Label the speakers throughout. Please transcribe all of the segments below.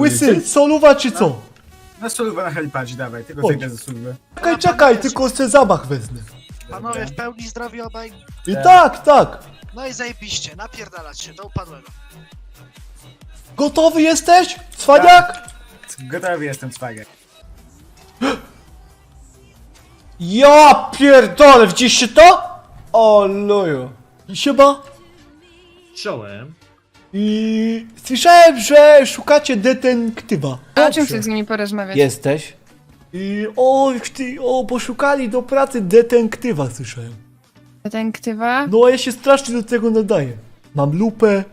Speaker 1: Łysy, soluwa czy co?
Speaker 2: Na solówę na helipadzie, dawaj, tylko
Speaker 1: Chodź.
Speaker 2: zejdę ze solówy.
Speaker 1: Czekaj, tylko chcę zamach wezmę.
Speaker 3: Panowie, w pełni zdrowi obaj.
Speaker 1: I tak.
Speaker 3: No i zajebiście, napierdalać się do upadłego.
Speaker 1: Gotowy jesteś? Cwaniak?
Speaker 2: Gotowy jestem, cwagę.
Speaker 1: Ja pierdolę, widzieliście to? O luju. Siema.
Speaker 4: Czołem.
Speaker 1: I słyszałem, że szukacie detektywa.
Speaker 5: A o czym chcesz z nimi porozmawiać?
Speaker 1: Jesteś? I poszukali do pracy detektywa, słyszałem.
Speaker 5: Detektywa?
Speaker 1: No a ja się strasznie do tego nadaję. Mam lupę.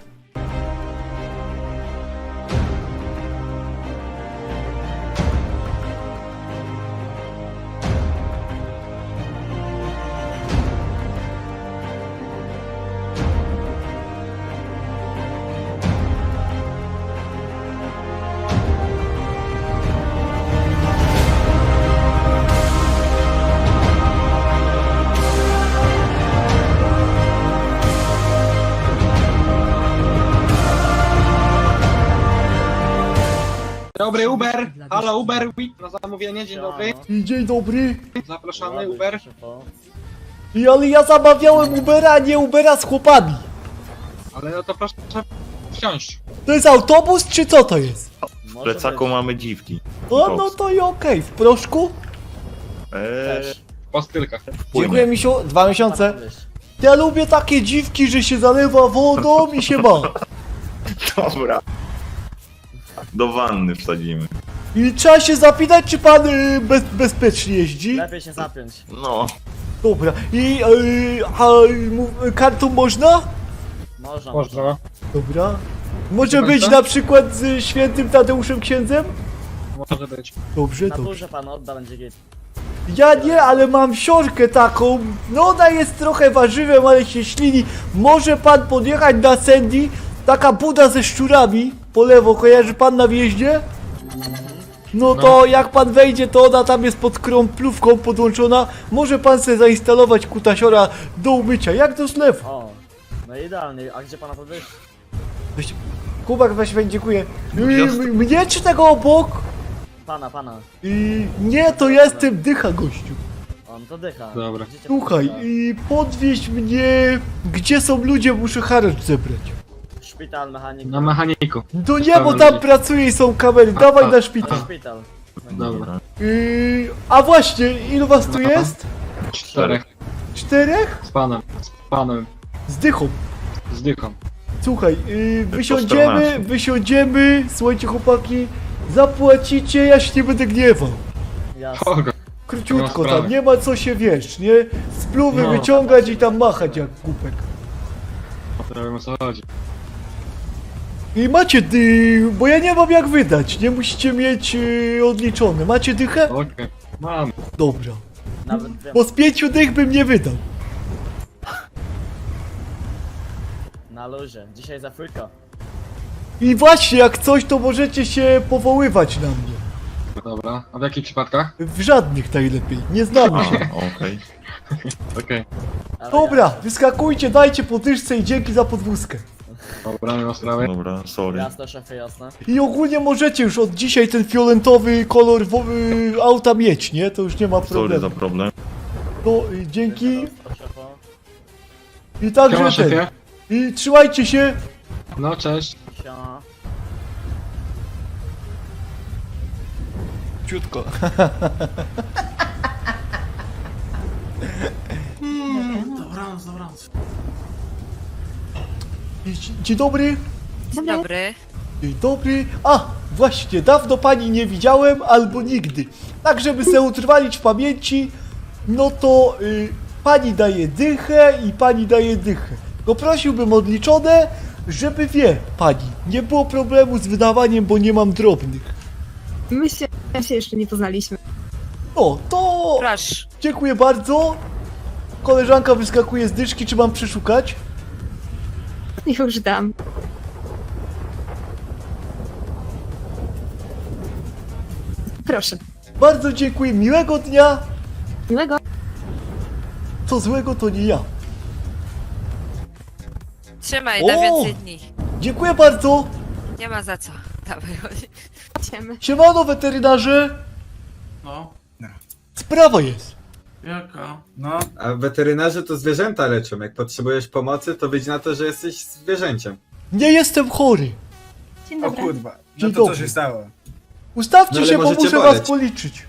Speaker 6: Dobry Uber, halo Uber, na zamówienie, dzień dobry,
Speaker 1: I dzień dobry.
Speaker 6: zapraszamy Uber.
Speaker 1: Ale ja zamawiałem Ubera, a nie Ubera z chłopami.
Speaker 6: Ale no to proszę wsiąść.
Speaker 1: To jest autobus, czy co to jest?
Speaker 7: W plecaku mamy dziwki.
Speaker 1: No to i okej. W proszku?
Speaker 6: Po stylkach.
Speaker 1: Dziękuję, misiu. 2 miesiące. Ja lubię takie dziwki, że się zalewa wodą i się ma.
Speaker 7: Dobra. Do wanny wsadzimy.
Speaker 1: I trzeba się zapytać, czy pan bezpiecznie jeździ?
Speaker 4: Lepiej się zapiąć.
Speaker 7: No.
Speaker 1: Dobra. I kartą można?
Speaker 4: Można.
Speaker 6: Można.
Speaker 1: Dobra. Może
Speaker 6: Wie pan
Speaker 1: być
Speaker 6: co?
Speaker 1: na przykład z świętym Tadeuszem księdzem?
Speaker 6: Może być.
Speaker 1: Dobrze,
Speaker 4: Na
Speaker 1: dobrze.
Speaker 4: górze pan odda, będzie git.
Speaker 1: Ja nie, ale mam siorkę taką. No ona jest trochę warzywem, ale się ślini. Może pan podjechać na Sandy? Taka buda ze szczurami. Po lewo, kojarzy pan na wjeździe? No to jak pan wejdzie, to ona tam jest pod krąplówką podłączona. Może pan sobie zainstalować kutasiora do umycia, jak do zlewu.
Speaker 4: O, no idealnie. A gdzie pana podwyż?
Speaker 1: Weź- Kubak, weź, dziękuję.
Speaker 7: Jasne.
Speaker 1: Mnie czy tego obok?
Speaker 4: Pana.
Speaker 1: Nie, to jestem dycha, gościu.
Speaker 4: On to dycha.
Speaker 6: Dobra.
Speaker 4: Gdzie cię
Speaker 1: Słuchaj,
Speaker 4: podwyższa?
Speaker 1: podwieź mnie, gdzie są ludzie, muszę haracz zebrać.
Speaker 4: Szpital, mechanik.
Speaker 6: Na mechaniku.
Speaker 1: To nie, bo tam pracuje i są kamery, dawaj na
Speaker 4: Na
Speaker 1: szpital.
Speaker 4: szpital.
Speaker 6: Dobra.
Speaker 1: A właśnie, ilu was tu jest?
Speaker 6: 4.
Speaker 1: 4?
Speaker 6: Z panem.
Speaker 1: Z dychą.
Speaker 6: Z dychą.
Speaker 1: Słuchaj,
Speaker 7: Po
Speaker 1: wysiądziemy,
Speaker 7: 14.
Speaker 1: słuchajcie chłopaki, zapłacicie, ja się nie będę gniewał.
Speaker 4: Jasne.
Speaker 6: Kogo?
Speaker 1: Króciutko
Speaker 6: Nie ma
Speaker 1: tam,
Speaker 6: sprawy.
Speaker 1: nie ma co się, wiesz, nie? Spluwy
Speaker 6: No.
Speaker 1: wyciągać i tam machać jak kupek.
Speaker 6: Prawie o co chodzi.
Speaker 1: I macie bo ja nie mam jak wydać, nie musicie mieć odliczone. Macie dychę?
Speaker 6: Okej. Mam.
Speaker 1: Dobra.
Speaker 4: Nawet dwie.
Speaker 1: Bo z 5 dych bym nie wydał.
Speaker 4: Na luzie. Dzisiaj za fryka.
Speaker 1: I właśnie, jak coś, to możecie się powoływać na mnie.
Speaker 6: Dobra. A w jakich przypadkach?
Speaker 1: W żadnych najlepiej, nie znamy się.
Speaker 7: Okej.
Speaker 6: Okej.
Speaker 4: Ale
Speaker 1: Dobra, wyskakujcie, dajcie podwyżce i dzięki za podwózkę.
Speaker 6: Dobra, nie ma sprawy.
Speaker 7: Dobra, sorry.
Speaker 4: Jasne, szefie, jasne.
Speaker 1: I ogólnie możecie już od dzisiaj ten fioletowy kolor auta mieć, nie? To już nie ma
Speaker 7: Sorry
Speaker 1: problemu.
Speaker 7: za problem.
Speaker 1: To dzięki
Speaker 4: Od szefa.
Speaker 1: i
Speaker 6: Siema
Speaker 1: także ten.
Speaker 6: szefie.
Speaker 1: I trzymajcie się.
Speaker 6: No cześć.
Speaker 4: Siema.
Speaker 1: Ciutko. Dzień dobry.
Speaker 8: Dzień dobry.
Speaker 1: Dzień dobry. A, właśnie, dawno pani nie widziałem, albo nigdy. Tak, żeby sobie utrwalić w pamięci, no to pani daje dychę i pani daje dychę. Tylko prosiłbym odliczone, żeby wie pani, nie było problemu z wydawaniem, bo nie mam drobnych.
Speaker 8: My się jeszcze nie poznaliśmy.
Speaker 1: No, to
Speaker 8: Proszę.
Speaker 1: dziękuję bardzo. Koleżanka wyskakuje z dyszki, czy mam przeszukać?
Speaker 8: Już dam. Proszę.
Speaker 1: Bardzo dziękuję, miłego dnia.
Speaker 8: Miłego.
Speaker 1: Co złego to nie ja.
Speaker 9: Trzymaj,
Speaker 1: O!
Speaker 9: na więcej dni.
Speaker 1: Dziękuję bardzo.
Speaker 9: Nie ma za co. Dawaj, chodź.
Speaker 8: Ciemy.
Speaker 1: Siemano, weterynarze!
Speaker 9: No,
Speaker 1: Sprawa jest.
Speaker 9: jaka?
Speaker 2: No,
Speaker 10: A weterynarze to zwierzęta leczą. Jak potrzebujesz pomocy, to wyjdź na to, że jesteś zwierzęciem.
Speaker 1: Nie jestem chory.
Speaker 8: Dzień
Speaker 2: o
Speaker 8: dobry.
Speaker 2: kurwa.
Speaker 1: Dzień
Speaker 2: No to co
Speaker 1: dobry.
Speaker 2: się stało?
Speaker 1: Ustawcie
Speaker 10: No ale
Speaker 1: się, bo
Speaker 10: możecie
Speaker 1: muszę
Speaker 10: boleć.
Speaker 1: was policzyć.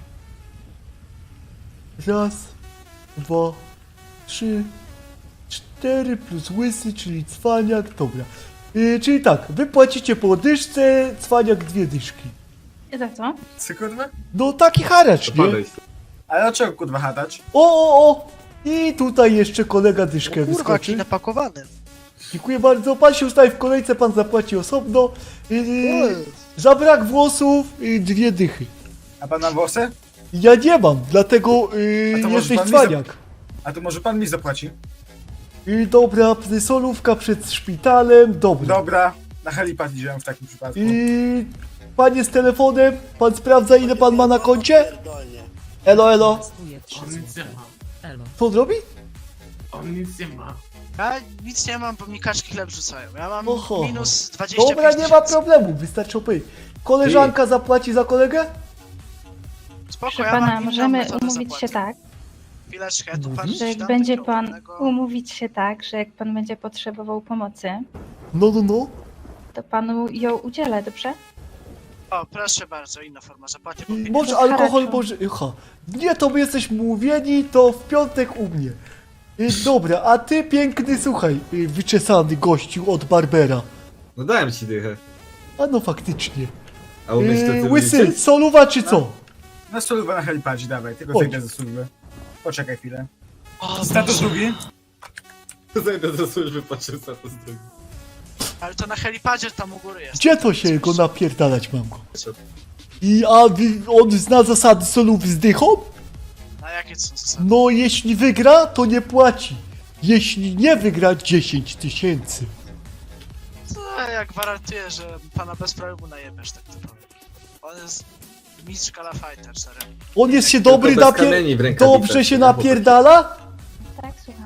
Speaker 1: Raz, dwa, trzy, 4 plus łysy, czyli cwaniak, dobra. Czyli tak, wy płacicie po dyszce, cwaniak 2 dyszki.
Speaker 8: I za co?
Speaker 2: Co kurwa?
Speaker 1: No taki haracz,
Speaker 10: To
Speaker 1: nie?
Speaker 10: podejdź.
Speaker 2: Ale o czego kurwa hatać?
Speaker 1: O! I tutaj jeszcze kolega dyszkę
Speaker 3: Kurwa,
Speaker 1: wyskoczy.
Speaker 3: jaki napakowany.
Speaker 1: Dziękuję bardzo, pan się ustawi w kolejce, pan zapłaci osobno. Za brak włosów 2 dychy.
Speaker 2: A pan ma włosy?
Speaker 1: Ja nie mam, dlatego
Speaker 2: A to może
Speaker 1: jesteś
Speaker 2: pan mi
Speaker 1: cwaniak.
Speaker 2: A to może pan mi zapłaci?
Speaker 1: Dobra, solówka przed szpitalem, dobra.
Speaker 2: Dobra, na helipad idziemy w takim przypadku.
Speaker 1: Panie z telefonem, pan sprawdza ile pan ma na koncie? Elo, elo.
Speaker 9: On nic nie ma.
Speaker 1: Co on robi?
Speaker 9: On nic nie ma.
Speaker 3: Ja nic nie mam, bo mi kaczki chleb rzucają. Ja mam
Speaker 1: Oho.
Speaker 3: minus 25
Speaker 1: Dobra, nie ma
Speaker 3: 000.
Speaker 1: problemu, wystarczy opowiedzieć. Koleżanka zapłaci za kolegę?
Speaker 3: Spoko,
Speaker 11: Proszę
Speaker 3: ja mam
Speaker 11: pana,
Speaker 3: inną
Speaker 11: możemy
Speaker 3: metodę
Speaker 11: umówić
Speaker 3: zapłaty.
Speaker 11: się tak,
Speaker 3: Chwileczkę, tu pan
Speaker 1: Mówisz?
Speaker 11: że jak
Speaker 3: dam
Speaker 11: będzie
Speaker 3: takiego
Speaker 11: pan
Speaker 3: ładnego-
Speaker 11: umówić się tak, że jak pan będzie potrzebował pomocy,
Speaker 1: No.
Speaker 11: to panu ją udzielę, dobrze?
Speaker 3: O, proszę bardzo, inna forma zapłaty. bo
Speaker 1: Może
Speaker 11: to
Speaker 1: alkohol,
Speaker 11: haraczu.
Speaker 1: może... Nie, to my jesteśmy umówieni, to w piątek u mnie. Dobra, a ty piękny, słuchaj, wyczesany gościu od Barbera.
Speaker 10: No dałem ci dychę.
Speaker 1: A no faktycznie.
Speaker 10: A umiesz to ty
Speaker 1: Łysy,
Speaker 10: liczyć?
Speaker 1: soluwa czy co?
Speaker 2: Na służbę na helipadzie, dawaj, tylko
Speaker 1: Chodź.
Speaker 2: zejdę ze służby. Poczekaj chwilę.
Speaker 3: O,
Speaker 2: Status drugi?
Speaker 10: Zajdę do służby, patrzę za to zdrowie.
Speaker 3: ale to na helipadzie tam u góry jest.
Speaker 1: Gdzie to się go napierdalać mam go? On zna zasady solów z dychą?
Speaker 3: A jakie to są zasady?
Speaker 1: No jeśli wygra, to nie płaci. Jeśli nie wygra, 10 000.
Speaker 3: No, ja gwarantuję, że pana bez problemu najebiesz, tak to powiem. On jest mistrz Kala Fighter, serio.
Speaker 1: On jest się
Speaker 10: Tylko
Speaker 1: dobry
Speaker 10: bez kamieni w rękawicach,
Speaker 1: Dobrze się
Speaker 10: nie? Bo to-
Speaker 1: napierdala?
Speaker 11: Tak, słucham.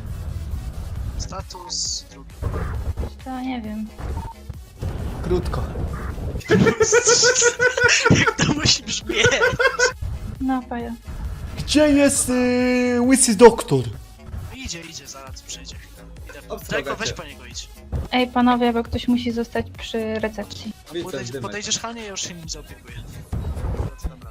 Speaker 3: Status drugi.
Speaker 11: To nie wiem.
Speaker 1: Krótko.
Speaker 3: Jak to musi brzmieć?
Speaker 11: No, paja.
Speaker 1: Gdzie jest łysy doktor?
Speaker 3: Idzie, zaraz przyjdzie. Idę.
Speaker 10: Obsługa
Speaker 3: Tylko weź
Speaker 10: cię.
Speaker 3: po niego idź.
Speaker 11: Ej, panowie, bo ktoś musi zostać przy recepcji.
Speaker 10: Widzę, dymek.
Speaker 3: Podejdziesz Hanie, ja już się nim zaopiekuję. Dobra.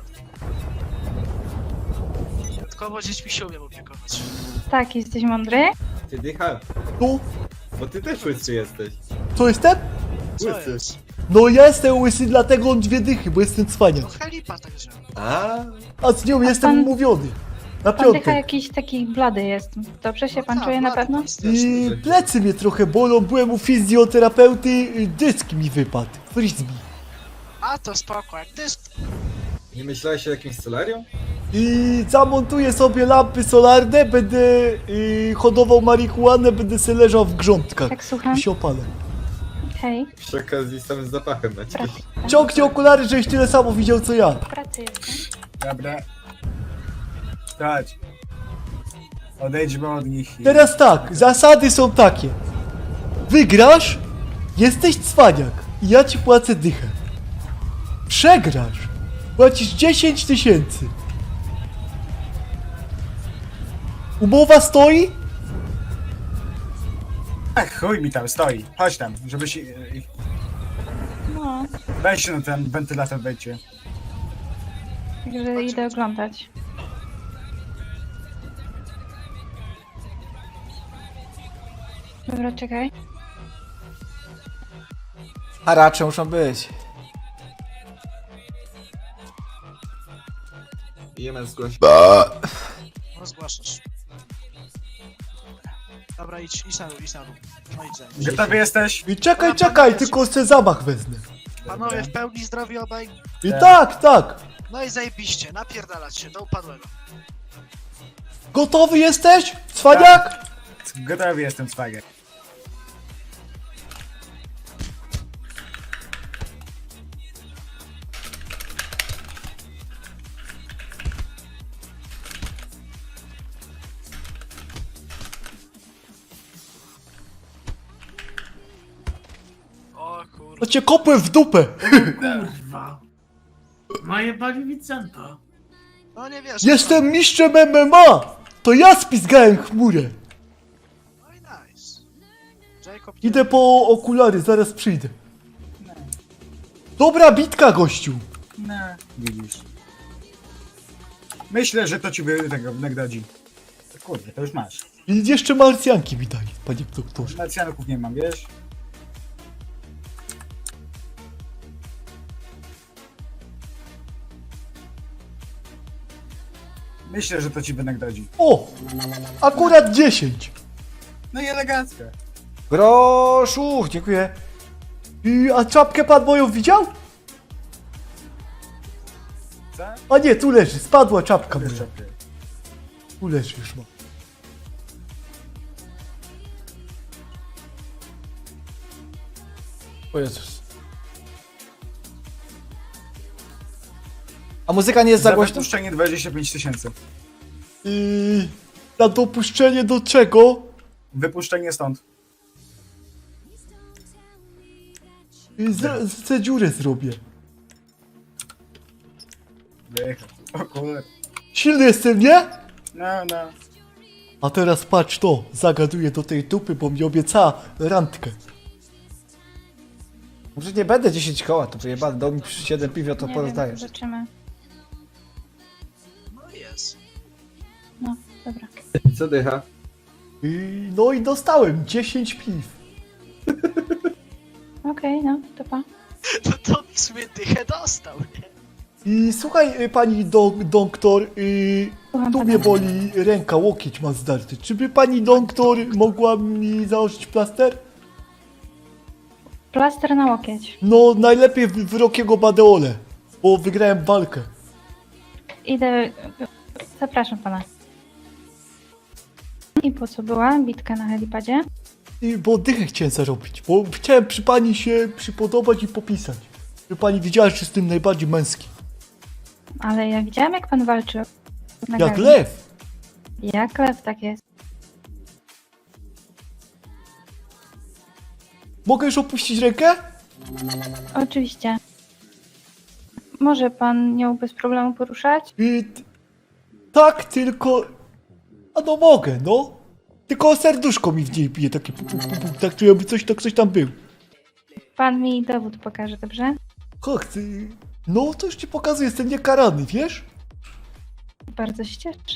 Speaker 3: Dodatkowo dziećmi się umiem opiekować.
Speaker 11: Tak, jesteś mądry?
Speaker 10: Ty dycha,
Speaker 1: Tu?
Speaker 10: bo ty też łysy jesteś.
Speaker 1: Co jestem?
Speaker 3: Co
Speaker 10: Łysy.
Speaker 3: jest?
Speaker 1: No ja jestem łysy, dlatego on 2 dychy, bo jestem
Speaker 3: No
Speaker 1: cwaniak.
Speaker 3: helipa także.
Speaker 1: A z nią jestem
Speaker 11: pan-
Speaker 1: umówiony. Na
Speaker 11: Pan dycha
Speaker 1: piątek.
Speaker 11: jakiś taki blady jest. Dobrze się
Speaker 3: No
Speaker 11: pan
Speaker 3: tak,
Speaker 11: czuje na
Speaker 3: ładny,
Speaker 11: pewno?
Speaker 3: straszny.
Speaker 1: Plecy mnie trochę bolą, byłem u fizjoterapeuty, dysk mi wypadł. Frisbee.
Speaker 3: A to spoko, jak ty jest...
Speaker 10: Nie myślałeś o jakimś solarium?
Speaker 1: Zamontuję sobie lampy solarne, będę hodował marihuanę, będę se leżał w grządkach.
Speaker 11: Tak, słucham.
Speaker 1: I się opalę.
Speaker 11: Hej,
Speaker 10: Przy okazji samym zapachem na ciebie.
Speaker 11: pracy.
Speaker 1: Ciągnij okulary, żeś tyle samo widział co ja.
Speaker 11: W pracy jestem.
Speaker 2: Dobra. Chodź. Odejdźmy od nich i...
Speaker 1: Teraz tak, zasady są takie. Wygrasz, jesteś cwaniak i ja ci płacę dychę. Przegrasz, płacisz 10 000. Umowa stoi?
Speaker 2: Ach, chuj mi tam stoi. Chodź tam, żeby się...
Speaker 11: No,
Speaker 2: Weź się na ten wentylator, wejdźcie.
Speaker 11: także idę oglądać. Dobra, czekaj.
Speaker 1: Haracze muszą być.
Speaker 10: IMS zgłosi.
Speaker 3: No zgłaszasz. Dobra, idź na dół. No idź za nim.
Speaker 2: Gotowy jesteś?
Speaker 1: I czekaj, tylko chcę zamach wezmę.
Speaker 3: Panowie w pełni zdrowi obaj.
Speaker 1: I tak.
Speaker 3: No i zajebiście, napierdalać się do upadłego.
Speaker 1: Gotowy jesteś? Cwaniak?
Speaker 2: Gotowy jestem, cwagę.
Speaker 3: O kurwa.
Speaker 1: To cię kopłem w dupę.
Speaker 9: Kurwa. Najebali Vincenta.
Speaker 3: No nie wiesz.
Speaker 1: Jestem mistrzem MMA! To ja spizgałem chmurę.
Speaker 3: No i nice. Jacob,
Speaker 1: Idę po okulary, zaraz przyjdę. Dobra bitka, gościu.
Speaker 2: No, widzisz. Myślę, że to ci tego nagrodzi. Kurde, to już masz.
Speaker 1: I jeszcze marsjanki mi daj, panie doktorze.
Speaker 2: Marcjanków nie mam, wiesz? Myślę, że to ci wynagrodzi.
Speaker 1: O! Akurat 10.
Speaker 2: No i elegancko.
Speaker 1: Groszu, dziękuję. A czapkę pan moją widział?
Speaker 2: Co?
Speaker 1: A nie, tu leży, spadła czapka moja.
Speaker 2: Jeszcze.
Speaker 1: Tu leży już ma. O Jezus. A muzyka nie jest za
Speaker 2: Za
Speaker 1: głośna?
Speaker 2: wypuszczenie 25 000.
Speaker 1: Na dopuszczenie do czego?
Speaker 2: Wypuszczenie stąd.
Speaker 1: Chcę dziurę zrobię.
Speaker 2: Wyjechał. O kurde.
Speaker 1: Silny jestem, nie?
Speaker 2: No, no.
Speaker 1: A teraz patrz to, zagaduję do tej dupy, bo mi obiecała randkę. Może nie będę 10 koła, to wyjebane, dał mi 7 piwio, to
Speaker 11: Nie
Speaker 1: porozdaję.
Speaker 11: wiem, zobaczymy.
Speaker 3: No jest.
Speaker 11: No, dobra.
Speaker 10: Co dycha?
Speaker 1: No i dostałem 10 piw.
Speaker 11: Okej, no, to pa.
Speaker 3: No to w sumie dychę dostał, nie?
Speaker 1: I słuchaj, pani doktor,
Speaker 11: Słucham
Speaker 1: tu
Speaker 11: pana.
Speaker 1: mnie boli ręka, łokieć ma zdarty. Czy by pani doktor mogła mi założyć plaster?
Speaker 11: Plaster na łokieć.
Speaker 1: No, najlepiej w Rockiego Badeole, bo wygrałem walkę.
Speaker 11: Idę... Zapraszam pana. I po co była bitka na helipadzie?
Speaker 1: Bo dychę chciałem zarobić, bo chciałem przy pani się przypodobać i popisać. Żeby pani widziała, że jestem najbardziej męski.
Speaker 11: Ale ja widziałam, jak pan walczył. Na
Speaker 1: Jak
Speaker 11: gali.
Speaker 1: lew.
Speaker 11: Jak lew, tak jest.
Speaker 1: Mogę już opuścić rękę?
Speaker 11: Oczywiście. Może pan nią bez problemu poruszać?
Speaker 1: Tak, tylko... A no mogę, no. Tylko serduszko mi w niej bije, takie pu, pu, pu, pu, tak czuję, by coś tam był.
Speaker 11: Pan mi dowód pokaże, dobrze?
Speaker 1: Ach, no to już ci pokazuję, jestem niekarany, wiesz?
Speaker 11: Bardzo się cieszę.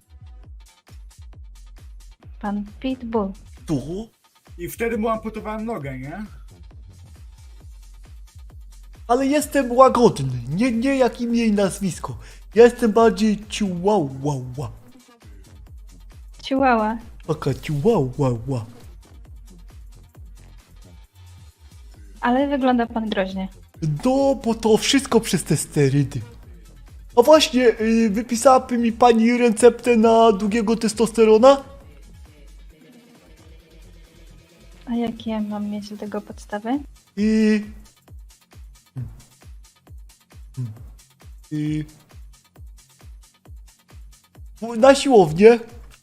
Speaker 11: Pan Pitbull.
Speaker 1: To?
Speaker 2: I wtedy mu amputowałem nogę, nie?
Speaker 1: Ale jestem łagodny, nie jak imię i nazwisko. Ja jestem bardziej ciułałała.
Speaker 11: Chihuahua.
Speaker 1: Taka ciułałała.
Speaker 11: Ale wygląda pan groźnie.
Speaker 1: No, bo to wszystko przez te sterydy. A właśnie, wypisałaby mi pani receptę na długiego testosterona?
Speaker 11: A jakie mam mieć do tego podstawy?
Speaker 1: I na siłownię.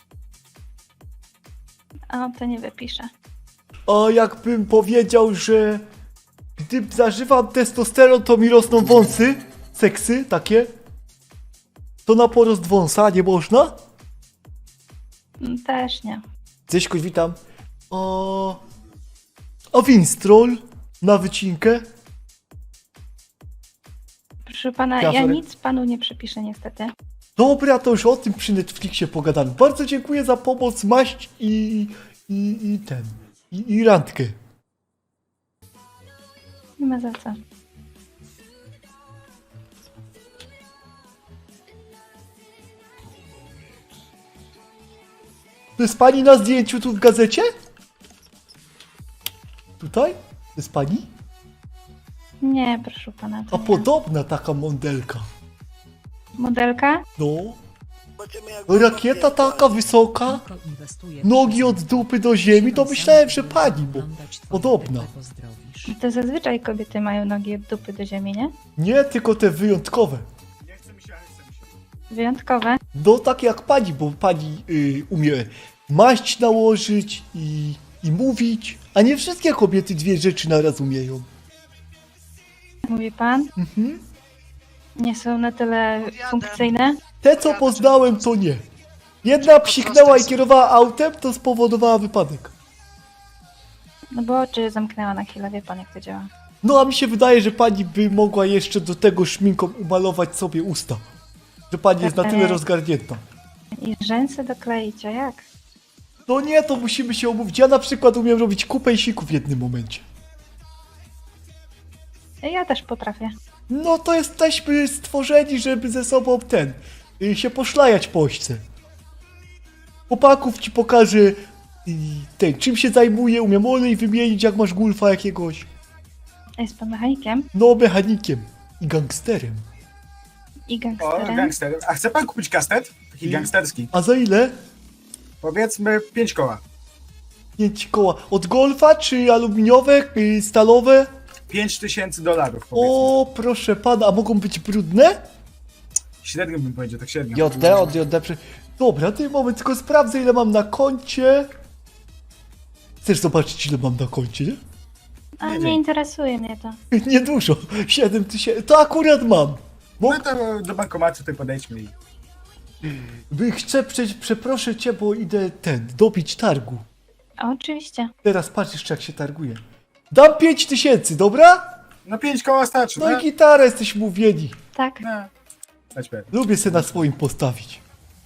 Speaker 11: A to nie wypiszę.
Speaker 1: A jakbym powiedział, że gdy zażywam testosteron, to mi rosną wąsy, seksy takie, to na porost wąsa nie można?
Speaker 11: Też nie.
Speaker 1: Cześć, witam. A Winstrol na wycinkę?
Speaker 11: Proszę pana,
Speaker 1: Ja
Speaker 11: ja
Speaker 1: sorry.
Speaker 11: nic panu nie przepiszę niestety.
Speaker 1: Dobra, to już o tym przy Netflixie pogadamy. Bardzo dziękuję za pomoc, maść i randkę.
Speaker 11: Nie ma za co.
Speaker 1: To jest pani na zdjęciu tu w gazecie? Tutaj? To jest pani?
Speaker 11: Nie, proszę pana. To
Speaker 1: A
Speaker 11: nie.
Speaker 1: podobna taka modelka.
Speaker 11: Modelka?
Speaker 1: No. Rakieta taka wysoka, nogi od dupy do ziemi, to myślałem, że pani, bo podobna.
Speaker 11: To zazwyczaj kobiety mają nogi od dupy do ziemi, nie?
Speaker 1: Nie, tylko te wyjątkowe.
Speaker 2: Nie chce mi się, ale chce mi się.
Speaker 11: Wyjątkowe.
Speaker 1: No takie jak pani, bo pani umie maść nałożyć i mówić, a nie wszystkie kobiety dwie rzeczy naraz umieją.
Speaker 11: Mówi pan?
Speaker 1: Mhm.
Speaker 11: Nie są na tyle
Speaker 3: Podjadę.
Speaker 11: funkcyjne.
Speaker 1: Te co poznałem to nie. Jedna psiknęła i kierowała autem, to spowodowała wypadek.
Speaker 11: No bo oczy zamknęła na chwilę, wie pan jak to działa.
Speaker 1: No a mi się wydaje, że pani by mogła jeszcze do tego szminką umalować sobie usta. Że pani jest na tyle rozgarnięta.
Speaker 11: I rzęsy dokleić, a jak?
Speaker 1: No nie, to musimy się umówić. Ja na przykład umiem robić kupę i siku w jednym momencie.
Speaker 11: Ja też potrafię.
Speaker 1: No to jesteśmy stworzeni, żeby ze sobą się poszlajać po ośce. Chłopaków ci pokażę czym się zajmuje, umiem olej wymienić, jak masz gulfa jakiegoś.
Speaker 11: A jest pan mechanikiem
Speaker 1: No, mechanikiem i gangsterem.
Speaker 11: i
Speaker 2: O,
Speaker 11: gangsterem.
Speaker 2: gangster. A chce pan kupić kastet? Taki gangsterski.
Speaker 1: A za ile?
Speaker 2: Powiedzmy 5 koła.
Speaker 1: 5 koła. Od golfa, czy aluminiowe, stalowe?
Speaker 2: $5000 powiedzmy.
Speaker 1: O, proszę pana, a mogą być brudne?
Speaker 2: Średnio bym powiedział, tak średnio.
Speaker 1: JD. Dobra, ty moment, tylko sprawdzę ile mam na koncie. Chcesz zobaczyć ile mam na koncie, nie?
Speaker 11: A nie interesuje mnie to.
Speaker 1: Niedużo, 7000, to akurat mam.
Speaker 2: No to do bankomatu tutaj podejdźmy i...
Speaker 1: Chcę, przeproszę cię, bo idę dobić targu.
Speaker 11: A oczywiście.
Speaker 1: Teraz patrz jeszcze jak się targuje. Dam 5000, dobra?
Speaker 2: No 5 koła starczy,
Speaker 1: No
Speaker 2: no.
Speaker 1: i gitara, jesteśmy mówieni.
Speaker 11: Tak.
Speaker 2: No. Dać pewnie.
Speaker 1: Lubię se na swoim postawić.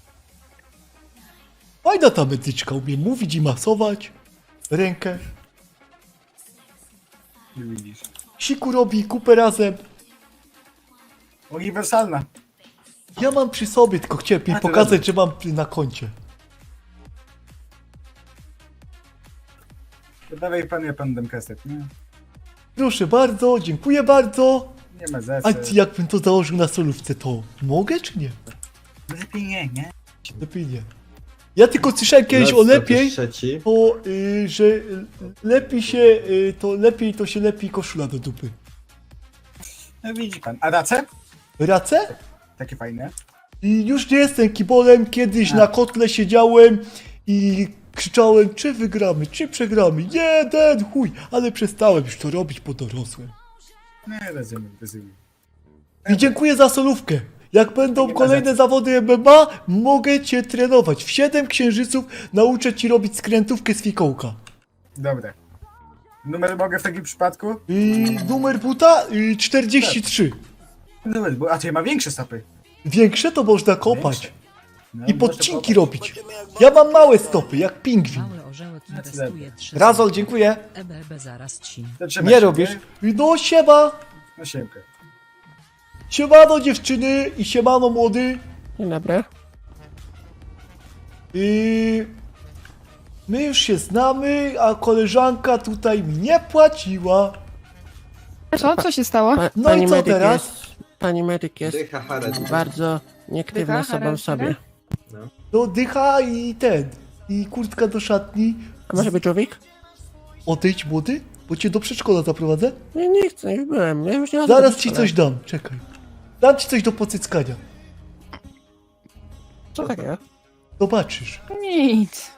Speaker 1: Fajna ta medyczka, umie mówić i masować. Rękę.
Speaker 2: Nie widzisz.
Speaker 1: Siku robi, kupę razem.
Speaker 2: Uniwersalna.
Speaker 1: Ja mam przy sobie, tylko chciałem jej
Speaker 2: A, to
Speaker 1: pokazać,
Speaker 2: dobrze.
Speaker 1: że mam na koncie.
Speaker 2: To dawaj pan, ja pan dam kastet, nie?
Speaker 1: Proszę bardzo, dziękuję bardzo.
Speaker 2: Nie ma za
Speaker 1: A
Speaker 2: co.
Speaker 1: jakbym to założył na solówce, to mogę czy nie?
Speaker 2: Lepiej nie?
Speaker 1: Lepiej nie. Ja tylko słyszałem kiedyś o lepiej,
Speaker 10: Trzeci.
Speaker 1: że lepiej to się lepi koszula do dupy.
Speaker 2: No widzi pan. A race?
Speaker 1: Race?
Speaker 2: Takie fajne.
Speaker 1: I już nie jestem kibolem, kiedyś na kotle siedziałem i krzyczałem, czy wygramy, czy przegramy. Jeden chuj, ale przestałem już to robić, bo dorosłem.
Speaker 2: Nie, rozumiem.
Speaker 1: I dziękuję za solówkę. Jak będą
Speaker 2: Nie ma
Speaker 1: kolejne zawody MMA, mogę cię trenować. W 7 księżyców nauczę ci robić skrętówkę z fikołka.
Speaker 2: Dobra. Numer mogę w takim przypadku?
Speaker 1: Numer buta 43.
Speaker 2: Numer, bo a to ja ma większe stopy.
Speaker 1: Większe to można kopać.
Speaker 2: Większe. No,
Speaker 1: I
Speaker 2: można
Speaker 1: podcinki
Speaker 2: kopać.
Speaker 1: robić. Ja mam małe stopy, jak pingwin.
Speaker 12: Mały orzełek
Speaker 2: No to
Speaker 12: inwestuje 3
Speaker 1: Razol, dziękuję.
Speaker 12: EBB zaraz ci.
Speaker 2: To trzeba
Speaker 1: Nie
Speaker 2: się,
Speaker 1: robisz. No siema.
Speaker 2: No siemkę.
Speaker 1: Siemano dziewczyny i siemano młody.
Speaker 4: Dzień dobry.
Speaker 1: My już się znamy, a koleżanka tutaj mi nie płaciła.
Speaker 5: Co się stało?
Speaker 1: No i co teraz?
Speaker 4: Pani medyk jest
Speaker 10: Dycha Harad.
Speaker 4: bardzo nieaktywna
Speaker 5: Dycha,
Speaker 4: sobą
Speaker 5: charakter?
Speaker 4: sobie.
Speaker 1: No dycha i kurtka do szatni.
Speaker 4: A może być człowiek?
Speaker 1: Odejdź młody, bo cię do przedszkola zaprowadzę.
Speaker 4: Nie chcę, już byłem. Ja już nie chodzę
Speaker 1: Zaraz
Speaker 4: do
Speaker 1: ci
Speaker 4: przedszkola.
Speaker 1: coś dam, czekaj. Dam ci coś do pocyckania.
Speaker 4: Co takiego?
Speaker 1: Zobaczysz.
Speaker 5: Nic.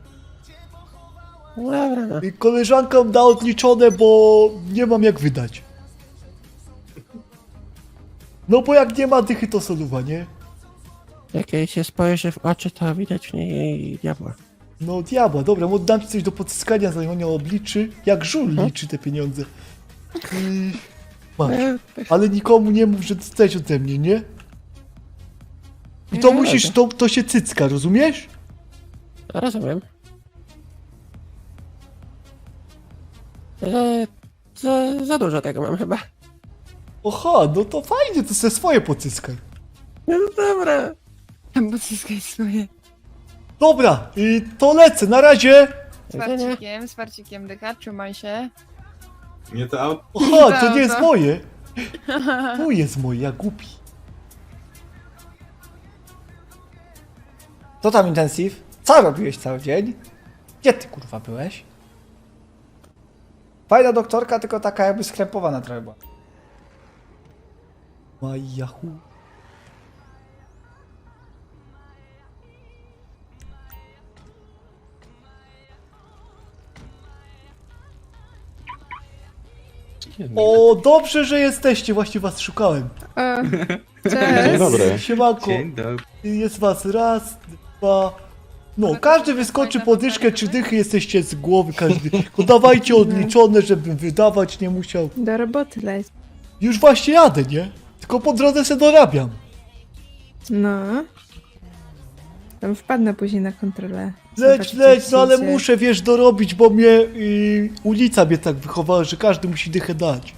Speaker 4: No dobra, no.
Speaker 1: I koleżankom da odliczone, bo nie mam jak wydać. No bo jak nie ma dychy, to soluwa, nie?
Speaker 4: Jak jej się spojrzy w oczy, to widać w niej diabła.
Speaker 1: No diabła, dobra, dam ci coś do pocyskania, zanim on obliczy. Jak żul liczy te pieniądze. Masz. Ale nikomu nie mów, że dostałeś ode mnie, nie? I to
Speaker 4: Nie,
Speaker 1: musisz, to się cycka, rozumiesz?
Speaker 4: Rozumiem. Za dużo tego mam chyba.
Speaker 1: Oha, no to fajnie, to se swoje pocyskaj.
Speaker 4: No dobra.
Speaker 5: Bo zyskaj swoje.
Speaker 1: Dobra, to lecę, na razie.
Speaker 5: Z farcikiem dycha, trzymaj się.
Speaker 10: Nie to auto.
Speaker 1: Oha, to nie jest moje. Tu jest moje, ja głupi. Co tam intensyw? Co robiłeś cały dzień? Gdzie ty kurwa byłeś? Fajna doktorka, tylko taka jakby skrępowana trochę była. Majahu. O, dobrze, że jesteście, właśnie was szukałem.
Speaker 5: Cześć.
Speaker 12: Dobry.
Speaker 1: Siemanko, jest was raz, dwa... No, każdy wyskoczy po dyszkę, 3 dychy jesteście z głowy, każdy. No dawajcie odliczone, żebym wydawać nie musiał.
Speaker 11: Do roboty leć.
Speaker 1: Już właśnie jadę, nie? Tylko po drodze se dorabiam.
Speaker 11: No. Tam wpadnę później na kontrolę.
Speaker 1: Leć, no ale muszę, wiesz, dorobić, bo mnie ulica mnie tak wychowała, że każdy musi dychę dać.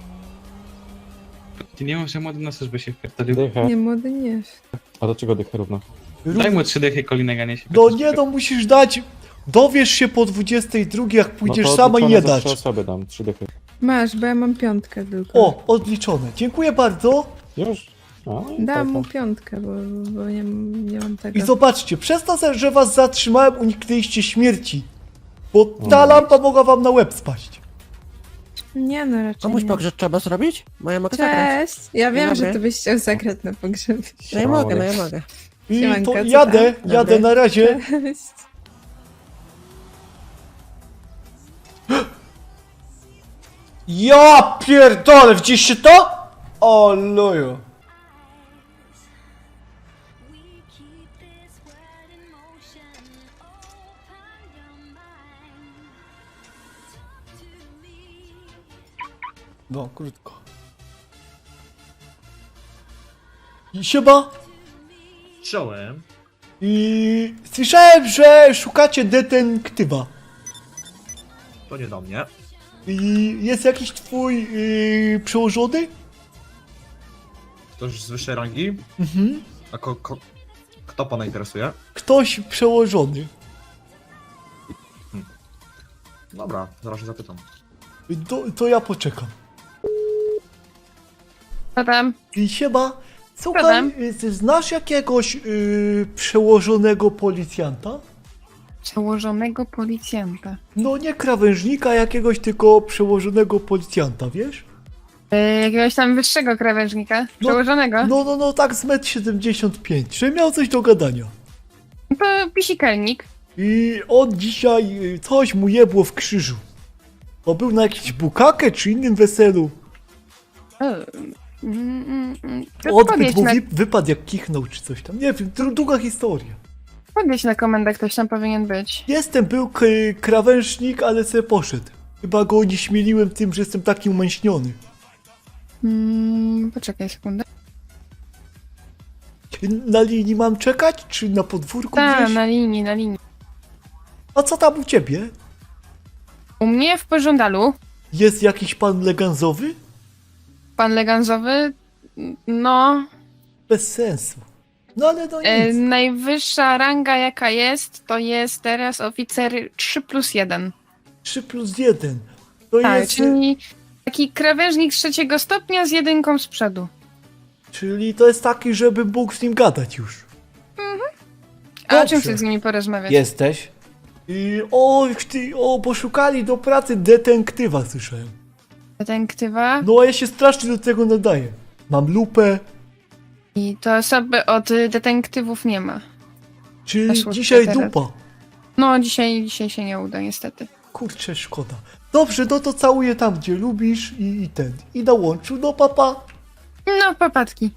Speaker 12: Ty nie masz, że młody na służbę się wpierdolił.
Speaker 4: Dycha.
Speaker 11: Nie, młody nie.
Speaker 4: A do czego dycha równa?
Speaker 12: Daj mu 3 dychy, kolinego nie się.
Speaker 1: No nie, no musisz dać. Dowiesz się po 22, jak pójdziesz sama i nie dasz.
Speaker 4: 3 osoby dam, 3 dychy.
Speaker 11: Masz, bo ja mam 5 tylko.
Speaker 1: O, odliczone. Dziękuję bardzo.
Speaker 4: Już?
Speaker 11: Dam mu 5, bo nie mam tego.
Speaker 1: I zobaczcie, przez to, że was zatrzymałem, uniknęliście śmierci. Bo ta lampa mogła wam na łeb spaść.
Speaker 11: Nie no, raczej
Speaker 4: Komuś
Speaker 11: nie.
Speaker 4: pogrzeb trzeba zrobić? Bo ja mogę zagrać.
Speaker 11: Cześć! Ja wiem,
Speaker 4: dobry.
Speaker 11: że ty byś chciał zagrać na pogrzebie.
Speaker 4: No ja mogę, no ja mogę.
Speaker 1: I
Speaker 11: Siemanko,
Speaker 1: to
Speaker 11: co
Speaker 1: jadę,
Speaker 11: tam?
Speaker 1: jadę
Speaker 11: Dobry.
Speaker 1: na razie.
Speaker 11: Cześć.
Speaker 1: Ja pierdolę, widzieliście to? O luju. No, krótko. I siema.
Speaker 9: Czołem.
Speaker 1: I słyszałem, że szukacie detektywa.
Speaker 9: To nie do mnie.
Speaker 1: I jest jakiś twój przełożony?
Speaker 9: Ktoś z wyższej rangi?
Speaker 1: Mhm.
Speaker 9: A kto pana interesuje?
Speaker 1: Ktoś przełożony.
Speaker 9: Dobra, zaraz się zapytam.
Speaker 1: To ja poczekam.
Speaker 5: Co tam?
Speaker 1: I siema. Słuchaj,
Speaker 5: Problem.
Speaker 1: ty znasz jakiegoś przełożonego policjanta?
Speaker 5: Przełożonego policjanta.
Speaker 1: No nie krawężnika jakiegoś, tylko przełożonego policjanta, wiesz?
Speaker 5: Jakiegoś tam wyższego krawężnika?
Speaker 1: No,
Speaker 5: Przełożonego?
Speaker 1: No, tak z 1,75 m, że miał coś do gadania.
Speaker 5: To pisikelnik.
Speaker 1: I on dzisiaj coś mu jebło w krzyżu. Bo był na jakiś bukakę czy innym weselu.
Speaker 5: To
Speaker 1: Odbyt mu wypadł jak kichnął czy coś tam. Nie wiem, długa historia.
Speaker 5: podjedź na komendę, ktoś tam powinien być.
Speaker 1: Był krawężnik, ale se poszedł. Chyba go nie śmieliłem tym, że jestem taki umęśniony.
Speaker 5: Poczekaj sekundę.
Speaker 1: Na linii mam czekać, czy na podwórku
Speaker 5: Tak,
Speaker 1: gdzieś?
Speaker 5: na linii.
Speaker 1: A co tam u ciebie?
Speaker 5: U mnie w pożądalu,
Speaker 1: Jest jakiś pan leganzowy?
Speaker 5: pan leganzowy, no,
Speaker 1: Bez sensu. No ale no nic.
Speaker 5: najwyższa ranga jaka jest, to jest teraz oficer 3+1.
Speaker 1: 3+1. To
Speaker 5: Tak,
Speaker 1: jest...
Speaker 5: czyli taki krawężnik 3 stopnia z 1 z przodu.
Speaker 1: Czyli to jest taki, żeby mógł z nim gadać już.
Speaker 5: A o
Speaker 1: Dobrze.
Speaker 5: czym chcesz z nimi porozmawiać?
Speaker 1: Jesteś? I poszukali do pracy detektywa, słyszałem.
Speaker 5: Detektywa?
Speaker 1: No a ja się strasznie do tego nadaję. Mam lupę,
Speaker 5: I to osoby od detektywów nie ma.
Speaker 1: czyli
Speaker 5: Weszło
Speaker 1: dzisiaj
Speaker 5: teraz.
Speaker 1: dupa.
Speaker 5: No, dzisiaj się nie uda, niestety.
Speaker 1: Kurczę, szkoda. Dobrze, no to całuję tam, gdzie lubisz i na łączu, no papa.
Speaker 5: No, papatki.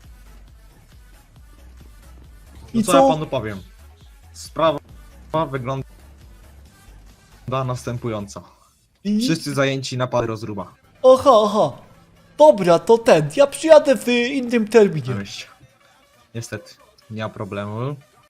Speaker 9: No
Speaker 1: I
Speaker 9: co
Speaker 1: co?
Speaker 9: ja panu powiem? Sprawa wygląda następująco.
Speaker 1: I...
Speaker 9: Wszyscy zajęci na pary rozruba.
Speaker 1: Aha. Dobra, to ja przyjadę w innym terminie.
Speaker 9: Niestety, nie ma problemu.